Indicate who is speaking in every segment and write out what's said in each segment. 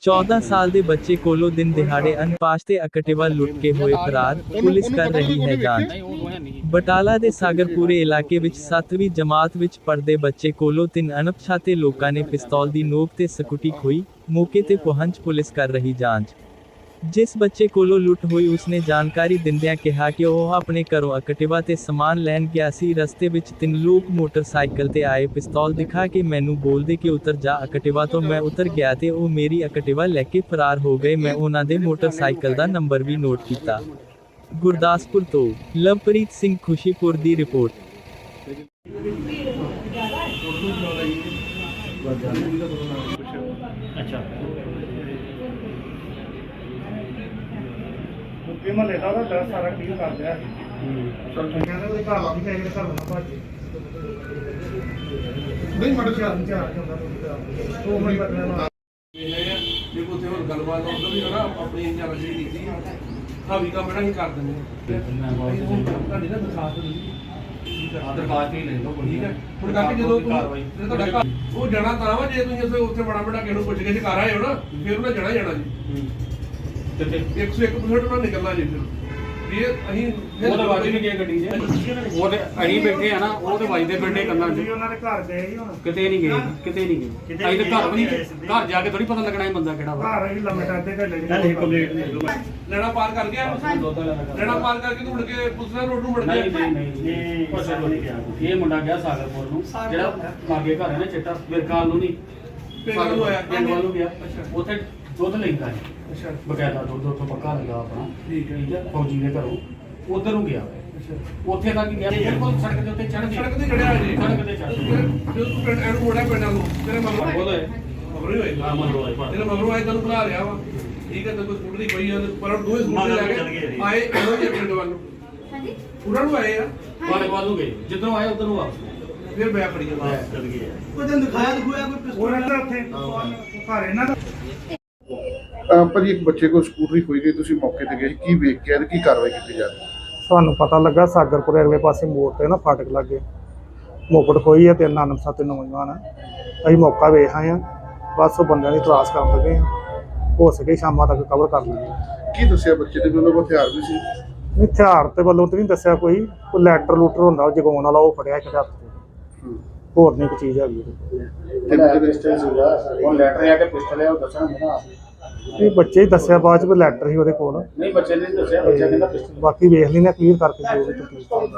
Speaker 1: 14 ਸਾਲ ਦੇ ਬੱਚੇ ਕੋਲੋਂ ਦਿਨ ਦਿਹਾੜੇ ਅਨਪਾਸ਼ ਤੇ ਐਕਟਿਵਾ ਲੁੱਟ ਕੇ ਹੋਏ ਫਰਾਰ, ਪੁਲਿਸ ਕਰ ਰਹੀ ਹੈ ਜਾਂਚ। ਬਟਾਲਾ ਦੇ ਸਾਗਰਪੁਰੇ ਇਲਾਕੇ ਵਿੱਚ 7ਵੀਂ ਜਮਾਤ ਵਿੱਚ ਪੜ੍ਹਦੇ ਬੱਚੇ ਕੋਲੋਂ 3 ਅਣਪਛਾਤੇ ਲੋਕਾਂ ਨੇ ਪਿਸਤੌਲ ਦੀ ਨੋਕ ਤੇ ਸਕੂਟੀ ਖੋਹੀ। ਮੌਕੇ ਤੇ ਪਹੁੰਚ ਪੁਲਿਸ ਕਰ ਰਹੀ ਜਾਂਚ। ਜਿਸ ਬੱਚੇ ਕੋਲੋਂ ਲੁੱਟ ਹੋਈ ਉਸਨੇ ਜਾਣਕਾਰੀ ਦਿੰਦਿਆਂ ਕਿਹਾ ਕਿ ਉਹ ਆਪਣੇ ਘਰੋਂ ਐਕਟਿਵਾ ਤੇ ਸਮਾਨ ਲੈਣ ਗਿਆ ਸੀ। ਰਸਤੇ ਵਿੱਚ 3 ਲੋਕ ਮੋਟਰਸਾਈਕਲ ਤੇ ਆਏ, ਪਿਸਤੌਲ ਦਿਖਾ ਕੇ ਮੈਨੂੰ ਬੋਲਦੇ ਕਿ ਉਤਰ ਜਾ ਐਕਟਿਵਾ ਤੋਂ। ਮੈਂ ਉਤਰ ਗਿਆ ਤੇ ਉਹ ਮੇਰੀ ਐਕਟਿਵਾ ਲੈ ਕੇ ਫਰਾਰ ਹੋ ਗਏ। ਮੈਂ ਉਹਨਾਂ ਦੇ ਮੋਟਰਸਾਈਕਲ ਦਾ ਨੰਬਰ ਵੀ ਨੋਟ ਕੀਤਾ। ਗੁਰਦਾਸਪੁਰ ਤੋਂ ਲਵਪ੍ਰੀਤ ਸਿੰਘ ਖੁਸ਼ੀਪੁਰ ਦੀ ਰਿਪੋਰਟ।
Speaker 2: ਮਹੱਲੇ ਦਾ ਦਰਸ ਸਾਰਾ ਕਲੀਅਰ ਕਰ ਦਿਆ ਕਹਿੰਦੇ ਕੋਈ ਘਰ ਵਾਲੀ ਚਾਹੀਦਾ ਘਰ ਨਾ ਭਾਜੀ ਨਹੀਂ ਮੜ ਚਾਰ ਉਹ ਮੈਂ ਬਦਲਣਾ ਜੇ ਕੋਈ ਹੋਰ ਗੱਲਬਾਤ ਉਧਰ ਵੀ ਨਾ ਆਪਣੀ ਇੰਜਨ ਰਜੀ ਕੀਤੀ ਹਾਵੀ ਕੰਮ ਇਹਨਾਂ ਹੀ ਕਰ ਦਿੰਦੇ ਤੁਹਾਡੀ ਨਾ ਦਰਖਾਸਤ ਦਰਖਾਸਤ ਹੀ ਲੈ ਲਓ ਠੀਕ ਹੈ। ਹੁਣ ਕਰਕੇ ਜਦੋਂ ਤੁਹਾਡਾ ਘਰ ਉਹ ਜਾਣਾ ਤਾਂ ਵਾ ਜੇ ਤੁਸੀਂ ਉੱਥੇ ਬੜਾ ਬੜਾ ਕਿਸੇ ਨੂੰ ਪੁੱਛ ਕੇ ਘਰ ਆਏ ਹੋ ਨਾ ਫਿਰ ਉਹਨਾਂ ਜਾਣਾ ਜੀ ਤੇ 101% ਨਾਲ ਨਿਕਲਣਾ ਜੀ। ਫਿਰ ਅਸੀਂ ਉਹਦੇ ਵਾਜੀ ਵੀ ਗਏ ਗੱਡੀ 'ਚ ਉਹਦੇ ਅਸੀਂ ਬੈਠੇ ਆ ਨਾ ਉਹ ਤੇ ਵੱਜਦੇ ਪਿੰਡੇ ਕੰਨਾਂ 'ਚ ਉਹਨਾਂ ਦੇ ਘਰ ਗਏ ਸੀ ਹੁਣ ਕਿਤੇ ਨਹੀਂ ਗਏ ਅਸੀਂ ਤਾਂ ਘਰ ਵੀ ਘਰ ਜਾ ਕੇ ਥੋੜੀ ਪਤਾ ਲੱਗਣਾ ਇਹ ਬੰਦਾ ਕਿਹੜਾ ਵਾ। ਘਰ ਅਸੀਂ ਲੰਮੇ ਟਾਦੇ ਘੱਲੇ ਜੀ ਕੰਪਲੀਟ ਲੈਣਾ ਪਾਰ ਕਰ ਗਿਆ ਲੈਣਾ ਪਾਰ ਕਰਕੇ ਤੂੰ ਮੁੜ ਕੇ ਪੁੱਛਣਾ ਰੋਡ ਨੂੰ ਮੁੜ ਗਿਆ ਨਹੀਂ ਪਾਸੇ ਤੋਂ ਨਹੀਂ ਗਿਆ। ਇਹ ਮੁੰਡਾ ਗਿਆ ਸਾਗਰਪੁਰ ਨੂੰ ਜਿਹੜਾ ਲਾਗੇ ਘਰ ਹੈ ਨਾ ਚਿੱਟਾ ਬਿਰਕਾਲ ਨੂੰ ਨਹੀਂ ਪਿੰਡ ਨੂੰ ਆਇਆ ਪਿੰਡ ਵੱਲ ਨੂੰ ਗਿਆ ਉੱਥੇ ਦੁੱਧ ਲੈਂਦਾ ਹੈ ਬਕਾਇਦਾ ਦੁੱਧ ਉੱਥੋਂ ਪੱਕਾ ਲੱਗਾ ਆਪਣਾ ਠੀਕ ਹੈ ਫੌਜੀ ਦੇ ਘਰੋਂ ਉਧਰ ਨੂੰ ਗਿਆ ਉੱਥੇ ਤੱਕ ਗਿਆ ਬਿਲਕੁਲ ਸੜਕ ਦੇ ਉੱਤੇ ਚੜ੍ਹ ਗਿਆ ਸੜਕ ਤੇ ਚੜਿਆ ਜੀ ਸੜਕ ਤੇ ਚੜ੍ਹ ਜਦੋਂ ਤੂੰ ਪਿੰਡ ਐਨੂੰ ਮੋੜਿਆ ਪਿੰਡਾਂ ਨੂੰ ਤੇਰੇ ਮਗਰੋਂ ਬੋਲੇ ਮਗਰੋਂ ਹੋਏ ਹਾਂ ਮਗਰੋਂ ਆਏ ਤੇਰੇ ਮਗਰੋਂ ਆਏ ਤੈਨੂੰ ਬੁਲਾ ਰਿਹਾ ਵਾ ਠੀਕ ਹੈ ਤੇ ਕੋਈ ਸਕੂਟਰ ਦੀ ਕੋਈ ਪਰ ਦੋਵੇਂ ਸਕੂਟਰ ਲੈ ਕੇ ਆਏ ਇਹੋ ਜਿਹੇ ਪਿੰਡ ਵੱਲ ਨੂੰ ਹਾਂਜੀ ਉਹਨਾਂ ਨੂੰ ਆਏ ਆ ਵਾਲੇ ਵੱਲ ਨੂੰ ਗਏ ਜਿੱਧਰੋਂ ਆਏ ਉਧਰ ਨੂੰ ਵਾਪਸ ਫਿਰ ਬੈਕ ਖੜੀ ਜਾਂਦਾ ਚੱਲ ਗਏ ਕੋਈ ਦਿਨ ਦਿਖਾਇਆ ਕੋਈ ਪਿਸਤੌਲ ਉੱਥੇ ਘਰ ਇਹਨਾਂ ਦਾ
Speaker 3: ਭਾਜੀ ਇੱਕ ਬੱਚੇ ਕੋਲ ਸਕੂਟਰੀ ਖੋਈ ਗਈ, ਤੁਸੀਂ ਮੌਕੇ ਤੇ ਗਏ ਕੀ ਵੇਖ ਕੇ ਆਏ, ਕੀ ਕਾਰਵਾਈ ਕੀਤੀ ਜਾ ਰਹੀ?
Speaker 2: ਸਾਨੂੰ ਪਤਾ ਲੱਗਾ ਸਾਗਰਪੁਰ ਅਗਲੇ ਪਾਸੇ ਮੋੜ ਤੇ ਨਾ ਫਾਟਕ ਲੱਗੇ ਮੋਕੜ ਖੋਈ ਹੈ 3 ਅਣਪਛਾਤੇ ਨੌਜਵਾਨ ਅਸੀਂ ਮੌਕਾ ਵੇਖ ਆਏ ਹਾਂ। ਬਸ ਉਹ ਬੰਦਿਆਂ ਦੀ ਤਲਾਸ਼ ਕਰਨ ਲੱਗੇ ਹੋ ਸਕੇ ਸ਼ਾਮਾਂ ਤੱਕ ਕਵਰ ਕਰ ਲਈਏ।
Speaker 3: ਕੀ ਦੱਸਿਆ ਬੱਚੇ ਦੇ ਕੋਲ ਹਥਿਆਰ ਵੀ ਸੀ?
Speaker 2: ਹਥਿਆਰ ਤੇ ਵੱਲੋਂ ਤੇ ਨਹੀਂ ਦੱਸਿਆ ਕੋਈ ਲੈਟਰ ਲੂਟਰ ਹੁੰਦਾ ਉਹ ਜਗਾਉਣ ਵਾਲਾ ਉਹ ਫੜਿਆ ਇੱਕ ਹੱਥ ਤੇ ਹੋਰ ਨਹੀਂ ਕੋਈ ਚੀਜ਼ ਹੈਗੀ
Speaker 4: ਉਹ ਲੈਟਰ ਆ ਕੇ ਪਿਸਟਲ ਹੈ ਉਹ ਦੱਸਣਗੇ ਨਾ
Speaker 2: ਇਹ ਬੱਚੇ ਹੀ ਦੱਸਿਆ ਬਾਅਦ ਚ ਵੀ ਲੈਟਰ ਸੀ ਉਹਦੇ ਕੋਲ
Speaker 4: ਨਹੀਂ ਬੱਚੇ ਨੇ ਦੱਸਿਆ ਬੱਚਾ ਕਹਿੰਦਾ ਪਿਸਟਲ
Speaker 2: ਬਾਕੀ ਵੇਖ ਲੈਣਾ ਕਲੀਅਰ ਕਰਕੇ ਜੋ ਵੀ ਤਕਲੀਫ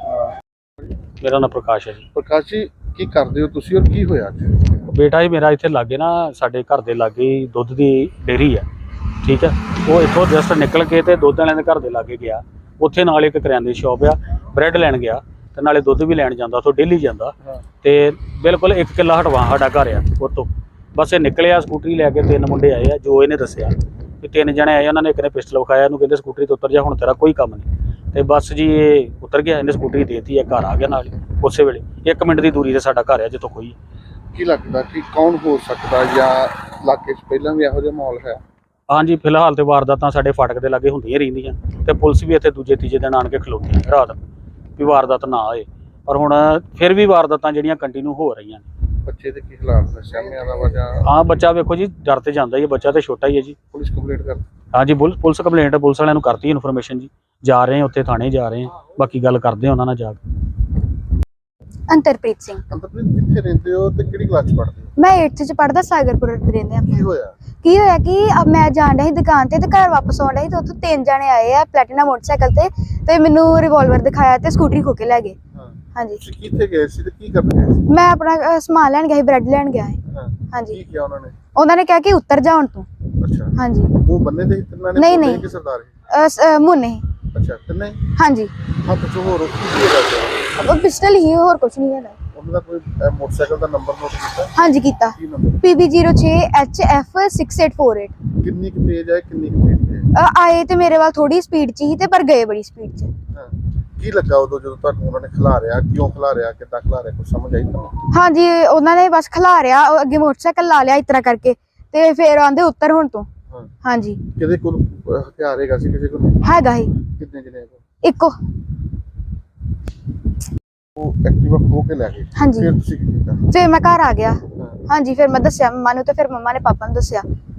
Speaker 5: ਮੇਰਾ ਨਾਮ ਪ੍ਰਕਾਸ਼ ਹੈ ਜੀ।
Speaker 3: ਪ੍ਰਕਾਸ਼ ਜੀ ਕੀ ਕਰਦੇ ਹੋ ਤੁਸੀਂ ਔਰ ਕੀ ਹੋਇਆ ਅੱਜ?
Speaker 5: ਬੇਟਾ ਜੀ ਮੇਰਾ ਇੱਥੇ ਲਾਗੇ ਨਾ ਸਾਡੇ ਘਰ ਦੇ ਲਾਗੇ ਹੀ ਦੁੱਧ ਦੀ ਡੇਅਰੀ ਹੈ ਠੀਕ ਹੈ। ਉਹ ਇੱਥੋਂ ਜਸਟ ਨਿਕਲ ਕੇ ਤੇ ਦੁੱਧ ਵਾਲਿਆਂ ਦੇ ਘਰ ਦੇ ਲਾਗੇ ਗਿਆ। ਉੱਥੇ ਨਾਲ ਇੱਕ ਕਰਿਆਨੇ ਦੀ ਸ਼ਾਪ ਆ, ਬ੍ਰੈਡ ਲੈਣ ਗਿਆ ਤੇ ਨਾਲੇ ਦੁੱਧ ਵੀ ਲੈਣ ਜਾਂਦਾ ਉੱਥੋਂ ਡੇਲੀ ਜਾਂਦਾ ਤੇ ਬਿਲਕੁਲ 1 ਕਿੱਲਾ ਹਟਵਾ ਸਾਡਾ ਘਰ ਆ ਉੱਥੋਂ। ਬਸ ਇਹ ਨਿਕਲਿਆ ਸਕੂਟਰੀ ਲੈ ਕੇ 3 ਮੁੰਡੇ ਆਏ ਆ ਜੋ ਇਹਨੇ ਦੱਸਿਆ ਵੀ 3 ਜਣੇ ਆਏ। ਉਹਨਾਂ ਨੇ ਇੱਕ ਨੇ ਪਿਸਟਲ ਵਿਖਾਇਆ, ਇਹਨੂੰ ਕਹਿੰਦੇ ਸਕੂਟਰੀ ਤੋਂ ਉਤਰ ਜਾ ਹੁਣ ਤੇਰਾ ਕੋਈ ਕੰਮ ਨਹੀਂ। ਤੇ ਬਸ ਜੀ ਇਹ ਉਤਰ ਗਿਆ, ਇਹਨੇ ਸਕੂਟਰੀ ਦੇਤੀ ਹੈ, ਘਰ ਆ ਗਿਆ ਨਾਲ ਉਸੇ ਵੇਲੇ 1 ਮਿੰਟ ਦੀ ਦੂਰੀ ਤੇ ਸਾਡਾ ਘਰ ਆ ਜਿੱਥੋਂ ਕੋਈ।
Speaker 3: ਕੀ ਲੱਗਦਾ ਕਿ ਕੌਣ ਹੋ ਸਕਦਾ ਜਾਂ ਇਲਾਕੇ 'ਚ ਪਹਿਲਾਂ ਵੀ ਇਹੋ ਜਿਹਾ ਮਾਹੌਲ ਹੈ?
Speaker 5: ਹਾਂਜੀ ਫਿਲਹਾਲ ਤੇ ਵਾਰਦਾਤਾਂ ਸਾਡੇ ਫਾਟਕ ਦੇ ਲਾਗੇ ਹੁੰਦੀਆਂ ਰਹਿੰਦੀਆਂ ਤੇ ਪੁਲਿਸ ਵੀ ਇੱਥੇ ਦੂਜੇ ਤੀਜੇ ਦਿਨ ਆਣ ਕੇ ਖਲੋਤੀ ਹੈ ਰਾਤ ਵੀ ਵਾਰਦਾਤ ਨਾ ਆਏ, ਪਰ ਹੁਣ ਫਿਰ ਵੀ ਵਾਰਦਾਤਾਂ ਜਿਹੜੀਆਂ ਕੰਟੀਨਿਊ ਹੋ ਰਹੀਆਂ ਨੇ।
Speaker 3: ਬੱਚੇ ਦੇ ਕੀ ਹਾਲਾਤ ਨੇ? ਸਾਹਮਣੇ ਦਾ ਵਜਾ
Speaker 5: ਹਾਂ ਬੱਚਾ ਵੇਖੋ ਜੀ ਡਰ ਤੇ ਜਾਂਦਾ ਹੀ ਹੈ, ਬੱਚਾ ਤੇ ਛੋਟਾ ਹੀ ਹੈ ਜੀ।
Speaker 3: ਪੁਲਿਸ ਕੰਪਲੇਂਟ ਕਰ?
Speaker 5: ਹਾਂਜੀ ਪੁਲਿਸ ਕੰਪਲੇਂਟ ਪੁਲਿਸ ਵਾਲਿਆਂ ਨੂੰ ਕਰਤੀ ਇਨਫੋਰਮੇਸ਼ਨ ਜੀ, ਜਾ ਰਹੇ ਹਾਂ ਉੱਥੇ ਥਾਣੇ ਜਾ ਰਹੇ ਹਾਂ, ਬਾਕੀ ਗੱਲ ਕਰਦੇ ਹਾਂ ਉਹਨਾਂ ਨਾਲ ਜਾ ਕੇ।
Speaker 6: ਅੰਤਰਪ੍ਰੀਤ ਸਿੰਘ।
Speaker 3: ਅੰਤਰਪ੍ਰੀਤ ਕਿੱਥੇ ਰਹਿੰਦੇ ਹੋ ਤੇ ਕਿਹੜੀ ਕਲਾਸ 'ਚ ਪੜ੍ਹਦੇ ਹੋ?
Speaker 6: ਮੈਂ 8th ਚ ਪੜ੍ਹਦਾ ਸਾਗਰਪੁਰ ਰਹਿੰਦੇ ਆ।
Speaker 3: ਕੀ ਹੋਇਆ
Speaker 6: ਕਿ ਮੈਂ ਜਾਣ ਰਹੀ ਦੁਕਾਨ ਤੇ ਘਰ ਵਾਪਸ ਆਉਣ ਰਹੀ ਤੇ ਉੱਥੋਂ 3 ਜਣੇ ਆਏ ਆ ਪਲੈਟੀਨਾ ਮੋਟਰਸਾਈਕਲ ਤੇ ਮੈਨੂੰ ਰਿਵਾਲਵਰ ਦਿਖਾਇਆ ਤੇ ਸਕੂਟਰੀ ਖੋ ਕੇ ਲੈ ਗਏ। ਹਾਂਜੀ
Speaker 3: ਤੁਸੀਂ ਕਿੱਥੇ ਗਏ ਸੀ ਤੇ ਕੀ ਕਰਨ ਗਏ ਸੀ?
Speaker 6: ਮੈਂ ਆਪਣਾ ਸਮਾਨ ਲੈਣ ਗਿਆ ਸੀ, ਬ੍ਰੈਡ ਲੈਣ ਗਿਆ ਸੀ। ਹਾਂਜੀ
Speaker 3: ਕੀ ਕਿਹਾ
Speaker 6: ਉਹਨਾਂ ਨੇ ਕਿਹਾ ਕਿ ਉਤਰ ਜਾ ਹੁਣ ਤੂੰ।
Speaker 3: ਅੱਛਾ ਹਾਂਜੀ ਉਹ ਬੰਨੇ ਦੇ ਤਿੰਨਾਂ ਨੇ
Speaker 6: ਨਹੀਂ
Speaker 3: ਕਿ ਸਰਦਾਰ
Speaker 6: ਮੁੰਨੇ।
Speaker 3: ਅੱਛਾ ਤਿੰਨੇ? ਹਾਂਜੀ ਹੱਥ 'ਚ ਹੋਰ ਕੀ ਹੈਗਾ?
Speaker 6: ਉਹ ਪਿਸਟਲ ਹੀ, ਹੋਰ ਕੁਝ ਨਹੀਂ ਹੈਗਾ।
Speaker 3: ਉਹਨਾਂ ਦਾ ਕੋਈ ਮੋਟਰਸਾਈਕਲ ਦਾ ਨੰਬਰ ਨੋਟ ਕੀਤਾ?
Speaker 6: ਹਾਂਜੀ ਕੀਤਾ,
Speaker 3: ਕੀ ਨੰਬਰ?
Speaker 6: PB06HF6848।
Speaker 3: ਕਿੰਨੀ ਕੁ ਤੇਜ਼ ਹੈ ਕਿੰਨੀ ਕੁ ਤੇਜ਼ ਹੈ?
Speaker 6: ਆਏ ਤੇ ਮੇਰੇ ਵੱਲ ਥੋੜੀ ਸਪੀਡ 'ਚ ਹੀ ਤੇ ਪਰ ਗਏ ਬੜੀ ਸਪੀਡ 'ਚ।
Speaker 3: ਕੀ ਲੱਗਾ ਉਦੋਂ ਜਦੋਂ ਤੁਹਾਨੂੰ ਉਹਨਾਂ ਨੇ ਖਿਲਾਰਿਆ? ਕਿਉਂ ਖਿਲਾਰਿਆ, ਕਿੱਦਾਂ ਖਿਲਾਰਿਆ, ਕੁਝ ਸਮਝ ਆਈ ਤੁਹਾਨੂੰ?
Speaker 6: ਹਾਂਜੀ ਉਹਨਾਂ ਨੇ ਬਸ ਖਿਲਾਰਿਆ, ਅੱਗੇ ਮੋਟਰਸਾਈਕਲ ਲਾ ਲਿਆ ਇਸ ਤਰ੍ਹਾਂ ਕਰਕੇ ਤੇ ਫਿਰ ਆਂਦੇ ਉੱਤਰ ਹੁਣ ਤੋਂ। ਹਾਂਜੀ
Speaker 3: ਕਿਹਦੇ ਕੋਲ ਹਥਿਆਰ ਹੈਗਾ ਸੀ? ਕਿਸੇ ਕੋਲ
Speaker 6: ਹੈਗਾ ਹੀ
Speaker 3: ਕਿੰਨੇ ਜਣੇ ਕੋਲ?
Speaker 6: ਇੱਕੋ।
Speaker 3: ਉਹ ਐਕਟਿਵਾ ਖੋ ਕੇ ਲੈ ਗਏ?
Speaker 6: ਹਾਂਜੀ
Speaker 3: ਫਿਰ ਤੁਸੀਂ ਕੀ ਕੀਤਾ?
Speaker 6: ਫਿਰ ਮੈਂ ਘਰ ਆ ਗਿਆ। ਹਾਂਜੀ ਫਿਰ ਮੈਂ ਦੱਸਿਆ ਮੰਮਾ ਨੂੰ ਤੇ ਫਿਰ ਮੰਮਾ ਨੇ ਪਾਪਾ ਨੂੰ ਦੱਸਿਆ।